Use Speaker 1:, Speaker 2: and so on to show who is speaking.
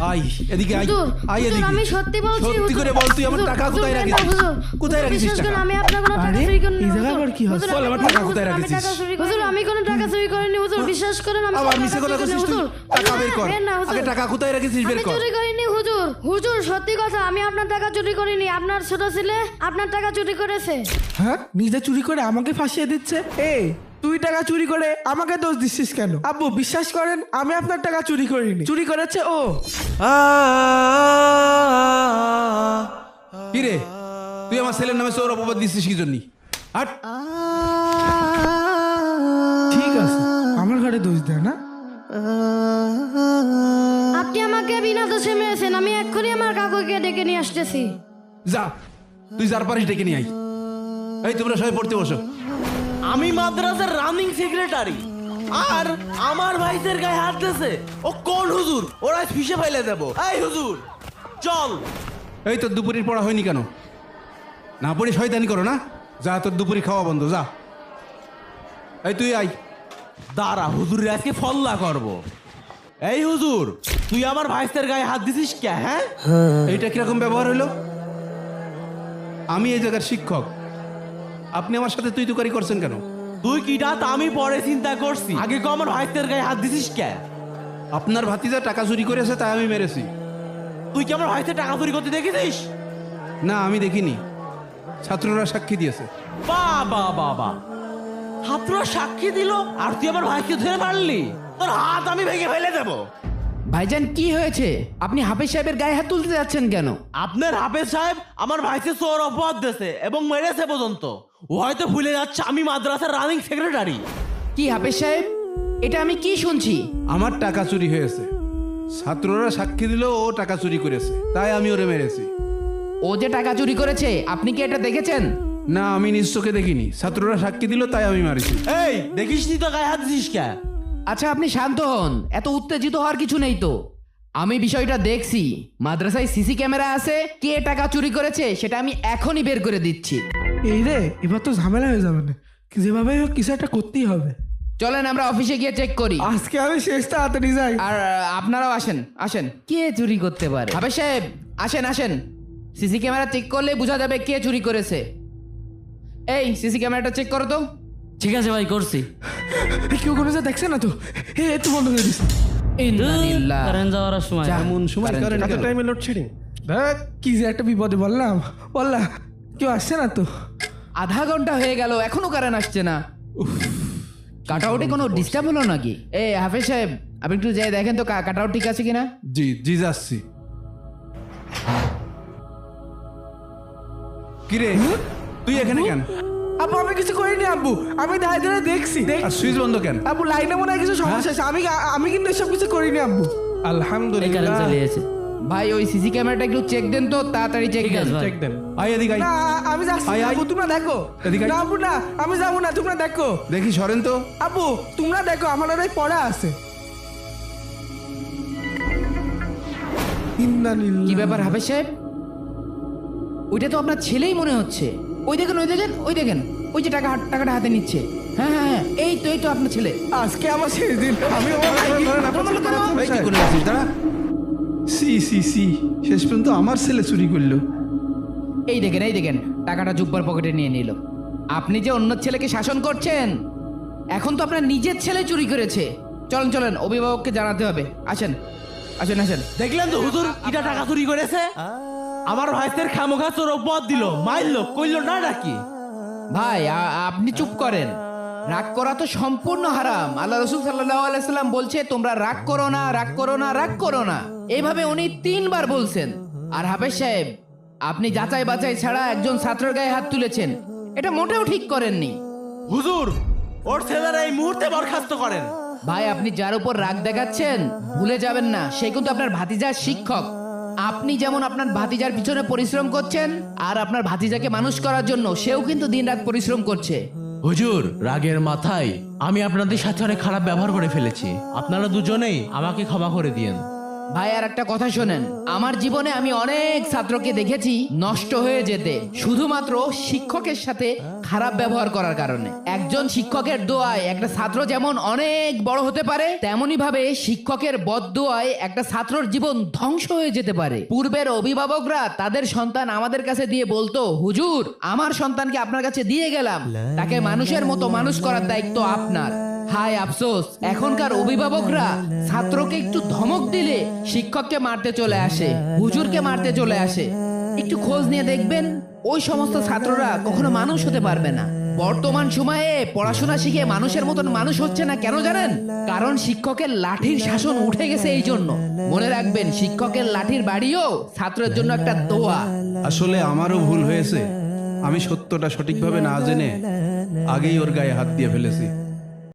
Speaker 1: I এদিকে I
Speaker 2: হুজুর,
Speaker 1: I
Speaker 2: হুজুর,
Speaker 1: এদিকে
Speaker 2: আমি সত্যি বলছি
Speaker 1: সত্যি করে বল তুই আমার
Speaker 2: হুজুর,
Speaker 1: টাকা
Speaker 2: হুজুর,
Speaker 1: কোথায়
Speaker 2: দেন না,
Speaker 1: রাখিস
Speaker 2: হুজুর।
Speaker 1: কোথায় রাখিস
Speaker 2: বিশ্বাস করুন,
Speaker 1: টাকা
Speaker 2: আমি আপনার কোনো টাকা
Speaker 3: আরে,
Speaker 2: চুরি করিনি,
Speaker 3: এই
Speaker 2: হুজুর।
Speaker 3: জায়গায় আবার কি হচ্ছে?
Speaker 2: হুজুর,
Speaker 1: বল,
Speaker 2: আমি
Speaker 1: আমার
Speaker 2: কোনো
Speaker 1: টাকা
Speaker 2: হুজুর,
Speaker 1: কোথায়
Speaker 2: আমি
Speaker 1: রাখিস?
Speaker 2: টাকা চুরি করিনি। হুজুর, আমি কোনো টাকা চুরি করিনি, হুজুর, বিশ্বাস করেন, আমি
Speaker 1: আবার
Speaker 2: কোনো
Speaker 1: মিছে
Speaker 2: টাকা
Speaker 1: কথা
Speaker 2: চুরি করিনি,
Speaker 1: কইছিস তুই
Speaker 2: হুজুর।
Speaker 1: টাকা বের কর
Speaker 2: দেন না, হুজুর।
Speaker 1: আগে টাকা কোথায় রাখিস বের
Speaker 2: আমি
Speaker 1: কর
Speaker 2: চুরি করিনি, হুজুর। হুজুর, সত্যি কথা, আমি আপনার টাকা চুরি করিনি। আপনার ছোট ছেলে আপনার টাকা চুরি করেছে।
Speaker 3: হ্যাঁ, নিজে চুরি করে আমাকে ফাঁসিয়ে দিচ্ছে। এই, তুই টাকা চুরি করে আমাকে দোষ দিচ্ছিস কেন? আব্বু, বিশ্বাস করেন, আমি আপনার টাকা চুরি করিনি, চুরি করেছে ও।
Speaker 1: কি রে তুই আমার ছেলের নামে চোর অপবাদ দিচ্ছিস কি জন্য হাট
Speaker 3: ঠিক আছে, আমার ঘরে দোষ দেয় না।
Speaker 2: আপনি আমাকে বিনা দোষে মেরেছেন। আমি এক্ষুনি আমার কাকুকে ডেকে নিয়ে আসতেছি।
Speaker 1: যা তুই যার পারিস ডেকে নিয়ে আই এই তোমরা সবাই পড়তে বসো
Speaker 4: আমি মাদ্রাসার রানিং সেক্রেটারি আর আমার ভাইদের গায়ে হাত দিয়েছে। ও কোন হুজুর? ওরা ফিসে ফাইলে দেব। এই হুজুর চল।
Speaker 1: এই তোর দুপুরের পড়া হয়নি কেন না পড়ি শয়তানি করো না যা তোর দুপুরি খাওয়া বন্ধ যা এই তুই আই
Speaker 4: দাঁড়া, হুজুরের আজকে ফল্লা করব। এই হুজুর, তুই আমার ভাইদের গায়ে হাত দিছিস কে? হ্যাঁ,
Speaker 1: এইটা কিরকম ব্যবহার হইলো আমি এই জায়গার শিক্ষক আপনি আমার সাথে তুই তুকারি করছেন কেন
Speaker 4: তুই কিটা তা আমি পরে চিন্তা করছি, আগে কো আমার ভাইদের গায়ে হাত দিছিস কে?
Speaker 1: আপনার ভাতিজা টাকা চুরি করেছে তাই আমি মেরেছি
Speaker 4: তুই কি আমার ভাইদের টাকা চুরি করতে দেখেছিস?
Speaker 1: না আমি দেখিনি ছাত্ররা সাক্ষী দিয়েছে
Speaker 4: বাবা বাবা, ছাত্ররা সাক্ষী দিল আর তুই আমার ভাইকে ধরে মারলি? তোর হাত আমি ভেঙে ফেলে দেবো।
Speaker 5: ভাইজান কি হয়েছে? আপনি হাফেজ সাহেবের গায়ে হাত তুলতে যাচ্ছেন কেন?
Speaker 4: আপনার হাফেজ সাহেব আমার ভাইকে চোর অপবাদ দিয়েছে এবং মেরেছে পর্যন্ত। ও হয়তো ভুলে যাচ্ছে আমি মাদ্রাসার রানিং সেক্রেটারি।
Speaker 5: কি হাফেজ সাহেব, এটা আমি কি শুনছি?
Speaker 1: আমার টাকা চুরি হয়েছে ছাত্ররা সাক্ষী দিল ও টাকা চুরি করেছে তাই আমি ওরে মেরেছি
Speaker 5: ও যে টাকা চুরি করেছে আপনি কি এটা দেখেছেন?
Speaker 1: না আমি নিজ চোখে দেখিনি ছাত্ররা সাক্ষী দিল তাই আমি মারিছি
Speaker 4: এই দেখিস নি তো গায়ে হাত দিছিস কে?
Speaker 5: আচ্ছা আপনি শান্ত হন, এত উত্তেজিত হওয়ার কিছু নেই তো। আমি বিষয়টা দেখছি, মাদ্রাসায় সিসি ক্যামেরা আছে, কে টাকা চুরি করেছে সেটা আমি এখনই বের করে দিচ্ছি।
Speaker 3: এই রে, এবার তো ঝামেলা হয়ে যাবে না, যেভাবে হোক কিছু একটা করতেই হবে।
Speaker 5: চলেন আমরা অফিসে গিয়ে চেক করি।
Speaker 3: আজকে আমি শেষ তাড়াতাড়ি যাই।
Speaker 5: আর আপনারাও আসেন আসেন। কে চুরি করতে পারে? হাফেজ সাহেব আসেন আসেন, সিসি ক্যামেরা চেক করলে বোঝা যাবে কে চুরি করেছে। এই সিসি ক্যামেরাটা চেক করো তো।
Speaker 6: ঠিক আছে ভাই, করছি।
Speaker 3: কেউ কোনো যা দেখছে না তো? একটু বন্ধ করে দিস।
Speaker 5: ইন্নালিল্লাহ।
Speaker 6: কারেন্ট যাওয়ার সময়
Speaker 5: যা,
Speaker 1: এমন সময়
Speaker 5: কারেন্ট
Speaker 1: কারেন্ট
Speaker 3: এত
Speaker 1: গেল।
Speaker 3: টাইমে লোডশেডিং, দেখ কি যে একটা বিপদে বললাম। কেউ আসছে না তো?
Speaker 5: আধা ঘন্টা হয়ে গেল এখনো কারেন্ট আসছে না। কাট আউটে কোনো ডিস্টার্ব হলো নাকি? এ হাফেজ সাহেব আপনি একটু যাই দেখেন তো কাট আউট ঠিক আছে কিনা।
Speaker 1: জি জি যাচ্ছি কিরে তুই এখানে কেন
Speaker 3: আব্বু, আমি কিছু করিনি আব্বু, আমি দাঁড়িয়ে দাঁড়িয়ে দেখছি।
Speaker 1: আর সুইচ বন্ধ কেন
Speaker 3: আব্বু, লাইনে মনে হয় কিছু সমস্যা আছে। আমি কিন্তু এসব কিছু করিনি আব্বু।
Speaker 6: এই কারেন্ট
Speaker 3: আলহামদুলিল্লাহ।
Speaker 6: চলে এসেছে।
Speaker 5: ভাই ওই সিসি ক্যামেরাটা একটু চেক দেন তো, তাড়াতাড়ি চেক
Speaker 6: ঠিক
Speaker 5: দেন।
Speaker 6: আছে ভাই।
Speaker 3: চেক দেন।
Speaker 1: আই এদিকে আই
Speaker 3: না, আমি যাচ্ছি
Speaker 1: আয়,
Speaker 3: না,
Speaker 1: আয়।
Speaker 3: আব্বু, তোমরা দেখো।
Speaker 1: এদিকে আয়।
Speaker 3: না আব্বু, না, আমি যাবো না, তোমরা দেখো।
Speaker 1: দেখি সরেন তো
Speaker 3: আব্বু, তোমরা দেখো, আমার ওরাই পড়া আছে।
Speaker 5: কি ব্যাপার হাফেজ সাহেব? ওইটা তো আপনার ছেলেই মনে হচ্ছে। ওই দেখেন ওই দেখেন ওই দেখেন, ওই যে টাকাটা হাতে নিচ্ছে। হ্যাঁ হ্যাঁ হ্যাঁ, এই তো আপনার ছেলে।
Speaker 3: আজকে আমার শেষ দিন। আমি
Speaker 1: এই, কি করে আছিস দাঁড়া সি সি সি শেষ পর্যন্ত আমার ছেলে চুরি করলো
Speaker 5: এই দেখেন টাকাটা জুব্বার পকেটে নিয়ে নিল। আপনি যে অন্য ছেলেকে শাসন করছেন, এখন তো আপনার নিজের ছেলে চুরি করেছে। চলেন অভিভাবককে জানাতে হবে। আসেন।
Speaker 4: দেখলেন তো হুজুর কিটা টাকা চুরি করেছে? আমার ভাইদের খামোখা চোর অপবাদ দিল, মারলো, কইলো না নাকি?
Speaker 5: ভাই আপনি চুপ করেন। রাগ করা তো সম্পূর্ণ হারাম। আল্লাহ রাসূল সাল্লাল্লাহু আলাইহি সাল্লাম বলছে তোমরা রাগ করো না। এইভাবে উনি 3 বার বলছেন। আর হাফেজ সাহেব আপনি যাচাই বাছাই ছাড়া একজন ছাত্রের গায়ে হাত তুলেছেন, এটা মোটেও ঠিক করেননি।
Speaker 4: হুজুর ওর ছেলেরা এই মুহূর্তে বরখাস্ত করেন।
Speaker 5: ভাই আপনি যার উপর রাগ দেখাচ্ছেন ভুলে যাবেন না, সে কিন্তু আপনার ভাতিজার শিক্ষক। আপনি যেমন আপনার ভাতিজার পিছনে পরিশ্রম করছেন, আর আপনার ভাতিজাকে মানুষ করার জন্য সেও কিন্তু দিনরাত পরিশ্রম করছে।
Speaker 4: হুজুর রাগের মাথায় আমি আপনাদের সাথে অনেক খারাপ ব্যবহার করে ফেলেছি, আপনারা দুজনেই আমাকে ক্ষমা করে দিয়েন।
Speaker 5: ভাই আর একটা কথা শোনেন, আমার জীবনে আমি অনেক ছাত্রকে দেখেছি নষ্ট হয়ে যেতে শুধুমাত্র শিক্ষকের সাথে খারাপ ব্যবহার করার কারণে। একজন শিক্ষকের দোয়ায় একটা ছাত্র যেমন অনেক বড় হতে পারে, তেমনি ভাবে শিক্ষকের বদদোয়ায় একটা ছাত্রর জীবন ধ্বংস হয়ে যেতে পারে। পূর্বের অভিভাবকরা তাদের সন্তান আমাদের কাছে দিয়ে বলতো, হুজুর আমার সন্তানকে আপনার কাছে দিয়ে গেলাম, তাকে মানুষের মতো মানুষ করার দায়িত্ব আপনার। হায় আফসোস, এখনকার অভিভাবকরা ছাত্রকে একটু ধমক দিলে শিক্ষককে মারতে চলে আসে, হুজুরকে মারতে চলে আসে। একটু খোঁজ নিয়ে দেখবেন ওই সমস্ত ছাত্ররা কখনো মানুষ হতে পারবে না। বর্তমান সময়ে পড়াশোনা শিখে মানুষের মতন মানুষ হচ্ছে না, কেন জানেন? কারণ শিক্ষকের লাঠির শাসন উঠে গেছে। এই জন্য মনে রাখবেন, শিক্ষকের লাঠির বাড়িও ছাত্রের জন্য একটা দোয়া।
Speaker 1: আসলে আমারও ভুল হয়েছে, আমি সত্যটা সঠিকভাবে না জেনে আগেই ওর গায়ে হাত দিয়ে ফেলেছি।